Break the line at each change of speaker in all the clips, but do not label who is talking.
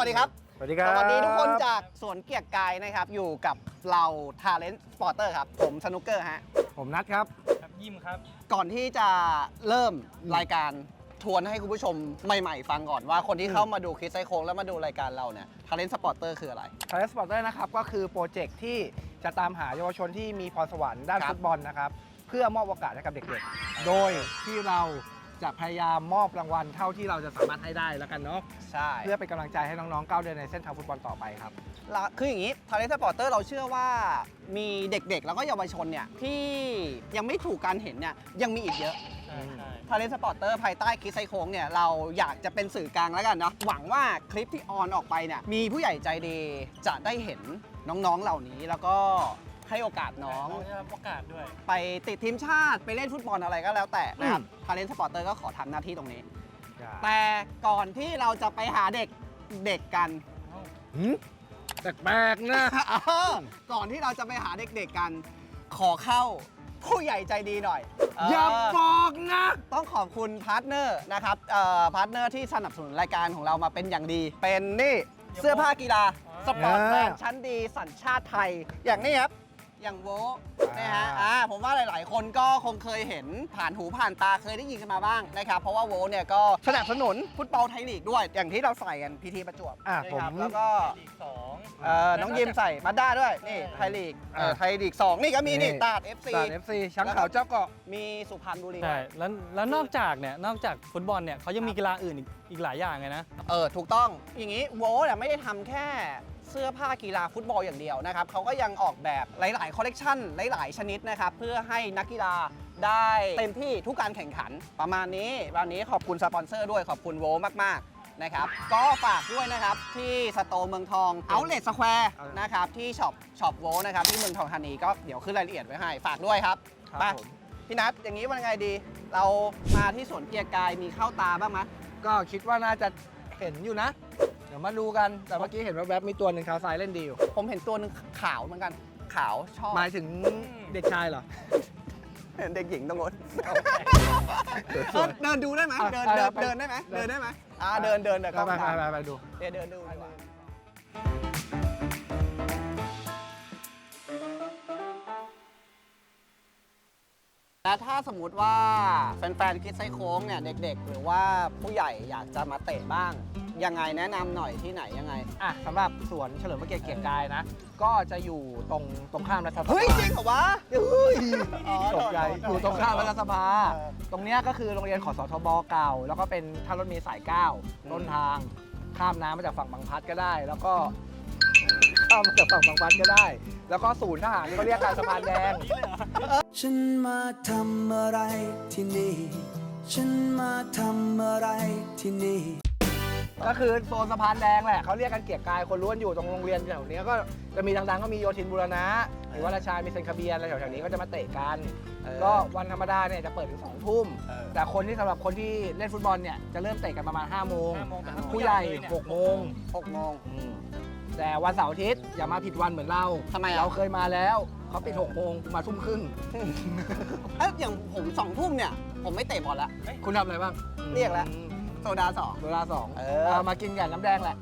วัสดีครับ
สวัสดีครับ
สวัสดีทุกคนจากสวนเกียรติกายนะครับอยู่กับเรา Talent Sporter ครับผมสนุกเกอร์ฮะ
ผมนัทครับ
ยิมครับ
ก่อนที่จะเริ่มรายการทวนให้คุณผู้ชมใหม่ๆฟังก่อนว่าคนที่เข้ามาดูคลิปไซโค้งแล้วมาดูรายการเราเนี่ย Talent Sporter คืออะไร
Talent Sporter นะครับก็คือโปรเจกต์ที่จะตามหาเยาวชนที่มีพรสวรรค์ด้าน
ครับ
ฟุตบอลนะครับเพื่อมอบโอกาสให้กับเด็กๆ โดยที่เราจะพยายามมอบรางวัลเท่าที่เราจะสามารถให้ได้แล้วกันเนาะ
ใช่
เพื่อเป็นกำลังใจให้น้องๆก้าวเดินในเส้นทางฟุตบอลต่อไปครับ
คืออย่างนี้ Talent Sporter เราเชื่อว่ามีเด็กๆ แล้วก็เยาวชนเนี่ยที่ยังไม่ถูกการเห็นเนี่ยยังมีอีกเยอะ
ใช่ใช่
Talent Sporter ภายใต้คลิปไซโค้งเนี่ยเราอยากจะเป็นสื่อกลางแล้วกันเนาะหวังว่าคลิปที่ออนออกไปเนี่ยมีผู้ใหญ่ใจดีจะได้เห็นน้องๆเหล่านี้แล้วก็ให้โอกาสน้อง
ได้รับโอกาสด้วย
ไปติดทีมชาติไปเล่นฟุตบอลอะไรก็แล้วแต่นะครับ Talent Sporter ก็ขอทำหน้าที่ตรงนี้ แต่ก่อนที่เราจะไปหาเด็กกัน
แปลกๆนะ
ก่อนที่เราจะไปหาเด็กๆกัน ขอเข้าผู้ใหญ่ใจดีหน่อย
อย่าบอกนะ
ต้องขอบคุณพาร์ทเนอร์นะครับพาร์ทเนอร์ที่สนับสนุนรายการของเรามาเป็นอย่างดี เป็นนี่เสื้อผ้ากีฬาสปอร์ตแมนชั้นดีสัญชาติไทย อย่างนี้ครับ อย่างโวนะฮะผมว่าหลายๆ คนก็คงเคยเห็นผ่านหูผ่านตาเคยได้ยินกันมาบ้างนะครับ เพราะว่าโวเนี่ยก็สนับสนุนฟุตบอลไทยลีกด้วย อย่างที่เราใส่กันพีทีประจวบ
ผม
นะครับแล้วก็
ลีกสอง
น้องยิมใส่มาด้าด้วยนี่ไทยลีกไทยลีก2นี่ก็มีนี่ตาด FC
สาร FC ช้างขาวเจ้าเกาะ
มีสุพรรณบุรี
ใช่แล้วนอกจากฟุตบอลเนี่ยเขายังมีกีฬาอื่นอีกหลายอย่างไงนะ
ถูกต้องอย่างนี้โวเนี่ยไม่ได้ทำแค่เสื้อผ้ากีฬาฟุตบอลอย่างเดียวนะครับเขาก็ยังออกแบบหลายๆคอลเลกชันหลายๆชนิดนะครับเพื่อให้นักกีฬาได้เต็มที่ทุกการแข่งขันประมาณนี้วันนี้ขอบคุณสปอนเซอร์ด้วยขอบคุณโวมากๆนะครับก็ฝากด้วยนะครับที่สโตร์เมืองทองเอาเล t สแควร์นะครับที่ช็อปโวนะครับที่เมืองทองธานีก็เดี๋ยวขึ้นรายละเอียดไว้ให้ฝากด้วยครับ
ครับ
ไป
ผม
พี่นัทอย่างนี้วันไงดี เรามาที่สวนเกียรติกายมีเข้าตาบ้างไหม
ก็คิดว่าน่าจะเห็นอยู่นะ เดี๋ยวมาดูกัน แต่เมื่อกี้เห็นว่าแวบๆมีตัวหนึ่งเท้าซ้ายเล่นดีอยู่
ผมเห็นตัวหนึงขาวเหมือนกันขาวชอบ
หมายถึงเด็กชายเหรอ
เห็นเด็กหญิงตรงนู้น
สวย
เดินดูได้ไหม
อ่ะ
เดิน
ไป
เดิน
ไป
เดินได้ไหม
เดิน
เดินได้ไหมเดินเดี๋ยวกล้อง
ไป
ตาม
ไปดู
เดี๋ยวเดินดูดีกว่าแล้วถ้าสมมุติว่าแฟนๆคิดไซโค้งเนี่ยเด็กๆ หรือว่าผู้ใหญ่อยากจะมาเตะบ้าง ยังไงแนะนำหน่อยที่ไหนยังไง
อ่ะสำหรับสวนเฉลิมพระเกียรติเกียรติกายนะ ก็จะอยู่ตรงข้ามรัฐสภา
เฮ้ย จริงเหรอวะเฮ้ย
ตกใจอยู่ตรงข้ามรัฐสภา ตรงเนี้ยก็คือโรงเรียนขอสทบเก่า แล้วก็เป็นท่ารถเมล์สาย 9 ต้นทาง ข้ามน้ำมาจากฝั่งบางพลัดก็ได้ แล้วก็ข้ามมาจากฝั่งบางพลัดก็ได้ แล้วก็ศูนย์ทหารเขาเรียกการสะพานแดง
ฉันมาทำอะไรที่นี่ ฉันมาทำอะไรที่นี่
ก็คือโซนสะพานแดงแหละเขาเรียกกันเกียรติกายคนล้วนอยู่ตรงโรงเรียนแถวนี้ก็จะมีดังๆก็มีโยธินบูรณะหรือว่าราชามีเซนคาเบียนอะไรแถวๆนี้ก็จะมาเตะกัน ก็วันธรรมดาเนี่ยจะเปิดถึง2 ทุ่ม แต่สำหรับคนที่เล่นฟุตบอลเนี่ยจะเริ่มเตะกันประมาณ5 โมง
5 โมงแต่ถ้า
ผู้ใหญ่
ผู้ใหญ่เลยเนี่ย
6 โมง
6 โมง
แต่วันเสาร์อาทิตย์อย่ามาผิดวันเหมือนเรา
ทำไมอ่ะ
เราเคยมาแล้วเขาปิด6 โมงมาทุ่มครึ่ง
อย่างผม2 ทุ่มเนี่ย ผมไม่เตะบอลละ
คุณทำอะไรบ้าง
เรียกแล้ว โซดา
โซดา2
เออ
มากินกับน้ำแดงแหละ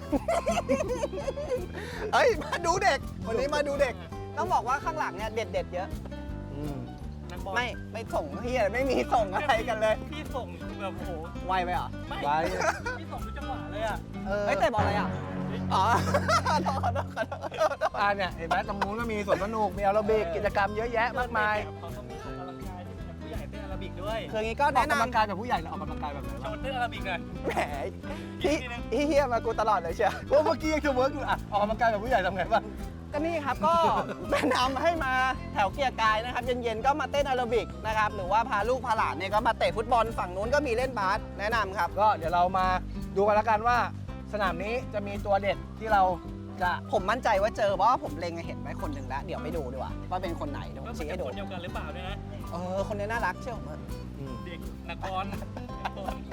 เฮ้ย มาดูเด็ก วันนี้มาดูเด็ก ต้องบอกว่าข้างหลังเนี่ยเด็ดๆเยอะ
นักบอล
ไม่ส่งเฮียไม่มีส่งอะไรกันเลย
พี่ส่งแบบโอ้โห
ไวไปเหรอ
ไม่
ไว้
พี่ส่งทุกจังหวะเลยอ่ะ
เฮ้ยเตะบอลอะไรอ่ะ อ๋อขอโทษ
เนี่ยเห็นไหมตรงนู้นก็มีสวนสนุกมีแอโรบิกกิจกรรมเยอะแยะมากมาย
เขาก็มีออกกำลังกายที่แบบผู้ใหญ่เต้นอาราบิกด้วย
คืออย่างงี้ก็
ออก
แนะ
กำลัง
นำ
กายแบบผู้ใหญ่หรือออกกำลังกายแบบไหน
โช
วะ
ว์เต้นอาราบิกหน่อย
แหมเฮียมากูตลอดเลยเชียว
เพราะเมื่อกี้ยังจะเวิร์กอยู่อ่ะออกกำลังกายแบบผู้ใหญ่ทำไงบ้าง
ก็นี่ครับก็ แนะนำให้มาแถวเกียร์กายนะครับเย็นๆก็มาเต้นแอโรบิกนะครับหรือว่าพาลูกพาหลานเนี่ยก็มาเตะฟุตบอลฝั่งนู้นก็มีเล่นบาสแนะนำครับ
ก็เดี๋ยวเรามาดูกันแล้วกันว่าสนามนี้จะมีตัวเด็ดที่เราจะ
ผมมั่นใจว่าเจอเพราะว่าผมเล็งเห็นไว้คนหนึ่งแล้วเดี๋ยวไปดูดีกว่าว่าเป็นคนไหนเดี๋ยวผ
ว่าม มัน
ชี้
จะ
ให้ดู
คนเดียวกันหรือเปล่าด้วยนะ
คนนี้น่ารักเชื่อผมเถอะ
เด็กนักบอลนักบอล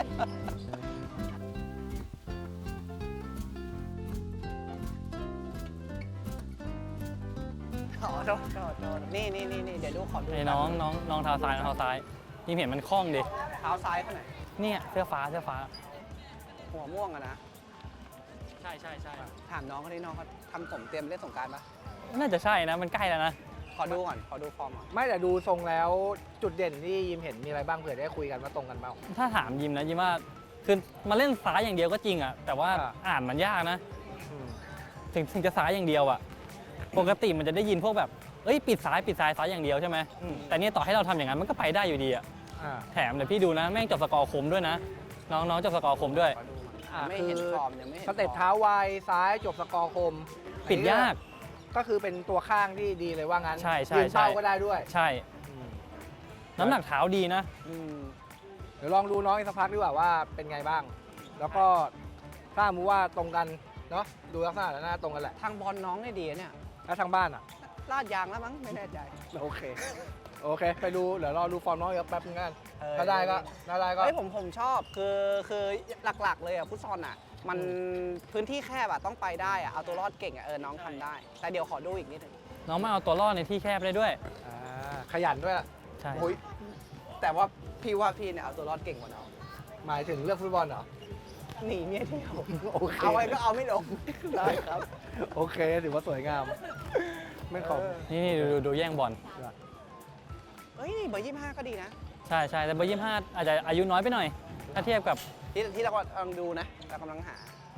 ขอโทษนี่เดี๋ยวดูขอดู
ไอ้น้องเท้าซ้ายยิ่งเห็นมันคล่องดิ
เท้าซ้ายเขาไหนอย
เนี่ยเสื้อฟ้า
หัวม่วงอะนะ
ใช่ใช่ใช่
ถามน้องเขาที่น้องเขาทำผมเตรียมเล่นสงกรานต์ปะ
น่าจะใช่นะมันใกล้แล้วนะ
ขอดูก่อนขอดูฟอร์มก่อน
ไม่แต่ดูทรงแล้วจุดเด่นที่ยิมเห็นมีอะไรบ้างเผื่อได้คุยกันว่าตรงกันเปล่า
ถ้าถามยิมนะยิมว่าคือมาเล่นซ้ายอย่างเดียวก็จริงอ่ะแต่ว่า
อ่า
อ่านมันยากนะ
อืม
ถึงจะซ้ายอย่างเดียวอ่ะปกติมันจะได้ยินพวกแบบเอ้ยปิดซ้ายอย่างเดียวใช่ไหมแต่เนี่ยต่อให้เราทำอย่างนั้นมันก็ไปได้อยู่ดีอ่ะ
อ่า
แถมเดี๋ยวพี่ดูนะแม่งจบสกอร์คมด้วยนะ น้องจบสกอร์คมด้วย
ขอดูก่อน
อ่า
ไม่
คือ
เห็นฟอร์มยังไม่เห็น
สเต็ป
ฟอร์ม
เท้าไวซ้ายจบสกอร์คม
ปิดยาก
ก็คือเป็นตัวข้างที่ดีเลยว่างั้น
ใช่ใช่
ยืนเป้า
ใช่
ก็ได้ด้วย
ใช่ น้ำหนักเท้าดีนะ
อืม
เดี๋ยวลองดูน้องอีกสักพักดีกว่าว่าเป็นไงบ้าง แล้วก็ถ้ามูว่าตรงกันเนาะดูลักษณะแล้วน่าตรงกันแหละ
ทางบอลน้องเนี่ยดีนะเนี่ย
แล้วทางบ้านอ่ะ
ลาดยางแล้วมั้งไม่แน่ใจ
โอเค โอเค ไปดูเดี๋ยวรอดูฟอร์มน้องอีกแป๊บนึงกัน
เออ
ถ้าได้ก็
เฮ้ยผมชอบคือหลักๆเลยอ่ะฟุตซอลอ่ะ มันพื้นที่แคบอ่ะต้องไปได้อ่ะเอาตัวรอดเก่งอ่ะน้องทำได้ แต่เดี๋ยวขอดูอีกนิดนึง
น้องมาเอาตัวรอดในที่แคบได้ด้วย
ขยันด้วยล่ะ
ใช่
โอ้ยแต่ว่าพี่เนี่ยเอาตัวรอดเก่งกว่าน้อง
หมายถึงเรื่องฟุตบอลเหรอ
หนีเมียเที่ยว
โอเค
เอาไว้ก็เอาไม่ลงได้ครับ
โอเค ถือว่าสวยงาม ไม่ขอบ
นี่ดูแย่งบอล
เฮ้ยเบอร์25ก็ดีนะ
ใช่ใช่แต่เบอร์25อาจจะอายุน้อยไปหน่อย ถ้าเทียบกับ
ที่เรากำลังดูนะเรากำลังหา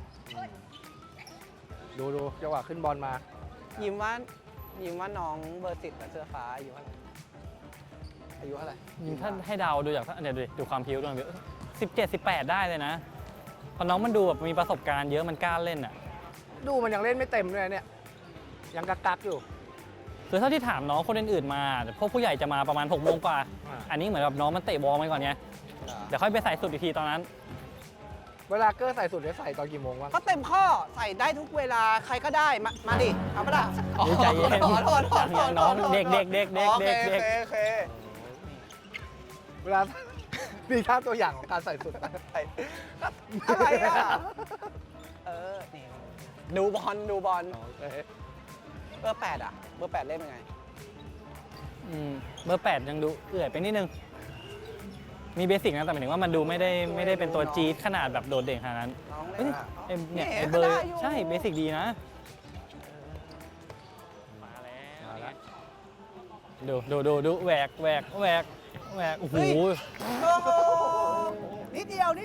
ดูจังหวะขึ้นบอลมา
ยิ้มว่าน้องเบอร์10กับเสื้อฟ้าอายุเท่าไหร่อายุเท่าไหร่
ถ้าให้เดาดูจากเดี๋ยวดูความพิ้วดู17-18 ได้เลยนะเพราะน้องมันดูแบบมีประสบการณ์เยอะมันกล้าเล่นอ่ะ
ดูมันยังเล่นไม่เต็มด้วยเนี่ย ยังกักอยู่
คือเท่าที่ถามน้องคนอื่นๆมาพวกผู้ใหญ่จะมาประมาณ6 โมงกว่า
อ่า
อันนี้เหมือนแบบน้องมันเตะบอลไปก่อนไงเดี๋ยวค่อยไปใส่สุดอีกทีตอนนั้น
เวลาเกอร์ใส่สุดจะใส่ตอนกี่โมงวะ
ก็เต็มข้อใส่ได้ทุกเวลาใครก็ได้มาดิเอาปะล่ะ
ใจเย็น
ขอโทษ
อย่างน้องเด็ก
โอเค
เวลา มีท่าตัวอย่างของการใส่สุด
อะไรอ่ะนี่ดูบอลเบอร์8อ่ะเบอร์8เล่นเป็นไง
เบอร์ 8 ยังดูเอื่อยไปนิดนึง มีเบสิกนะแต่หมายถึงว่ามันดูไม่ได้เป็นตัวจี๊ดขนาดแบบโดดเด่นขนาดนั้น
น้องเล่
เอ้
น
ย
อ่ะ
เนี่ย
เนี่ย
ไอ้เบอร์
ก็ได้อยู่
ใช่เบสิกดีนะ มาแล้วดูแหวกโอ้โห
โอ้โหนิดเดียว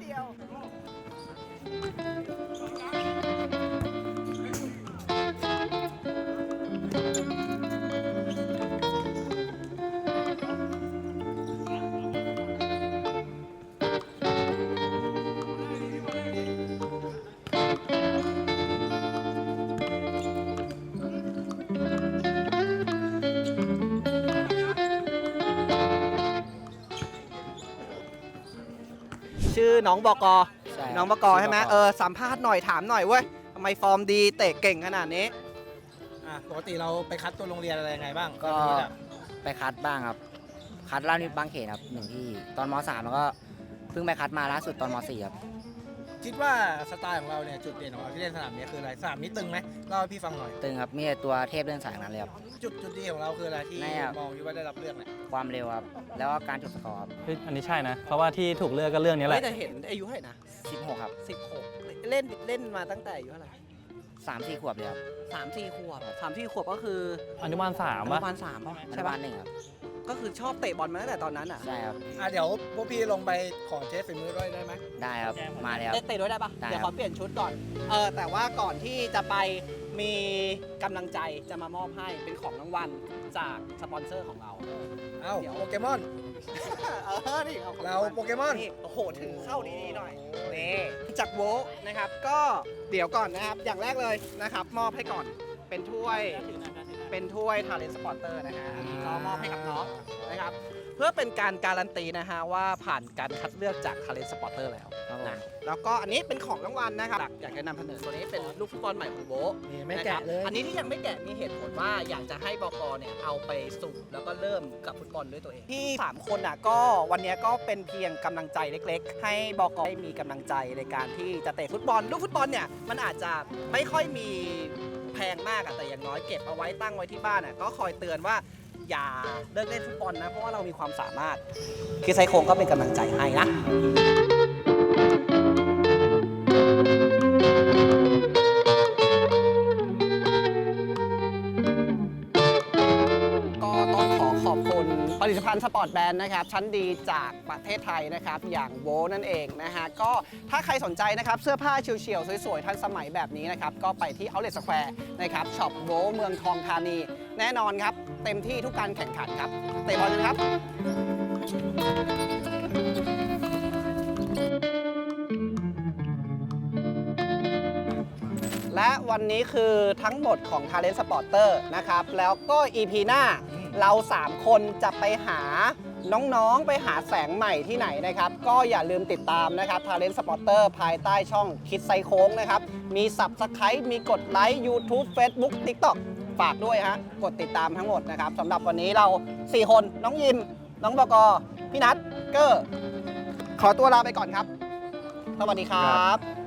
ชื่อน้องบก
ใช่
น้องบกใช่ไหมสัมภาษณ์หน่อยถามหน่อยเว้ยทำไมฟอร์มดีเตะเก่งขนาดนี้
ปกติเราไปคัดตัวโรงเรียนอะไรยังไงบ้าง
ก็ไปคัดบ้างครับ คัดล่านิดบางเขนครับหนึ่งที่ตอนม .3 แล้วก็เพิ่งไปคัดมาล่าสุดตอนม .4 ครับ
คิดว่าสไตล์ของเราเนี่ยจุดเด่นของเราที่เล่นสนามนี้คืออะไรสนามนี้ตึงไหมเล่าให้พี่ฟังหน่อย
ตึงครับมีแต่ตัวเทพเรื่องสายนั้นเลยครับ
จุดดีของเราคืออะไรที่
แน่ครับ
มองว่าได้รับเลือกเนี่ย
ความเร็วครับ แล้วก็การจบสกอร์ครับ
เฮ้ยอันนี้ใช่นะ เพราะว่าที่ถูกเลือกก็เรื่องนี้แห
เฮ้
ละ
ยแต่เห็นอายุเท่าไหร่นะ
16 ครับ
16 เล่นมาตั้งแต่อายุเท่าไหร่
3-4 ขวบเลยครับ
3-4 ขวบ3-4 ขวบก็คือ
อนุบาล
อ
3
นุ
ป่ะ
บาล3ป่ะ
อ
ใช่
นุบา
ป่ะ
ลหนึ่งครับ
ก็คือชอบเตะบอลมาตั้งแต่ตอนนั้นอ่ะ
ใช่ครับ
เดี๋ยวพวกพี่ลงไปขอเทสฝีมือด้วยได้ไหม
ได้ครับ มาแล้ว
เตะด้วยได้ปะ
ได้ครับ
เดี๋ยวขอเปลี่ยนชุดก่อน แต่ว่าก่อนที่จะไปมีกำลังใจจะมามอบให้เป็นของรางวัลจากสปอนเซอร์ของเรา
เอ้า
เดี๋ยว
โปเกมอน
นี่เอาของ
เราโปเกมอน
นี่โอ้โหถือเข้าดีๆหน่อยนี่จากโวนะครับ ก็เดี๋ยวก่อนนะครับ อย่างแรกเลยนะครับ มอบให้ก่อนเป็นถ้วยTalent Supporter นะฮะอันนี้ก็มอบให้กับน้องนะครับ เพื่อเป็นการการันตีนะฮะว่าผ่านการคัดเลือกจาก Talent Supporter แล้ว
ครับผม
นะแล้วก็อันนี้เป็นของรางวัลนะครับอยากจะนำเสนอตัวนี้เป็นลูกฟุตบอลใหม่ของโบะ
นี่ไม่แกะเลย
นะครับอันนี้ที่ยังไม่แกะมีเหตุผลว่าอยากจะให้บกเนี่ยเอาไปสุ่มแล้วก็เริ่มกับฟุตบอลด้วยตัวเองที่3คนอ่ะก็วันนี้ก็เป็นเพียงกำลังใจเล็กๆ ให้บกได้มีกำลังใจในการที่จะเตะฟุตบอลลูกฟุตบอลเนี่ยมันอาจจะไม่ค่อยมีแพงมากอะแต่อย่างน้อยเก็บเอาไว้ตั้งไว้ที่บ้านอะก็คอยเตือนว่าอย่าเลิกเล่นฟุตบอลนะเพราะว่าเรามีความสามารถคือไซโคงก็เป็นกำลังใจให้นะสปอร์ตแบรนด์นะครับชั้นดีจากประเทศไทยนะครับอย่างโวนั่นเองนะฮะก็ถ้าใครสนใจนะครับเสื้อผ้าเฉียวๆสวยๆทันสมัยแบบนี้นะครับก็ไปที่ Outlet Square นะครับช็อปโวเมืองทองธานีแน่นอนครับเต็มที่ทุกการแข่งขันครับเตะบอลกันครับและวันนี้คือทั้งหมดของ Talent Supporter นะครับแล้วก็ EP หน้าเรา 3 คนจะไปหาน้องๆไปหาแสงใหม่ที่ไหนนะครับก็อย่าลืมติดตามนะครับ Talent Supporter ภายใต้ช่องคิดไซโค้งนะครับมี Subscribe มีกดไลค์ YouTube Facebook TikTok ฝากด้วยฮะกดติดตามทั้งหมดนะครับสำหรับวันนี้เรา 4 คนน้องยิมน้องบกพี่นัทเกอร์ขอตัวลาไปก่อนครับสวัสดีครับ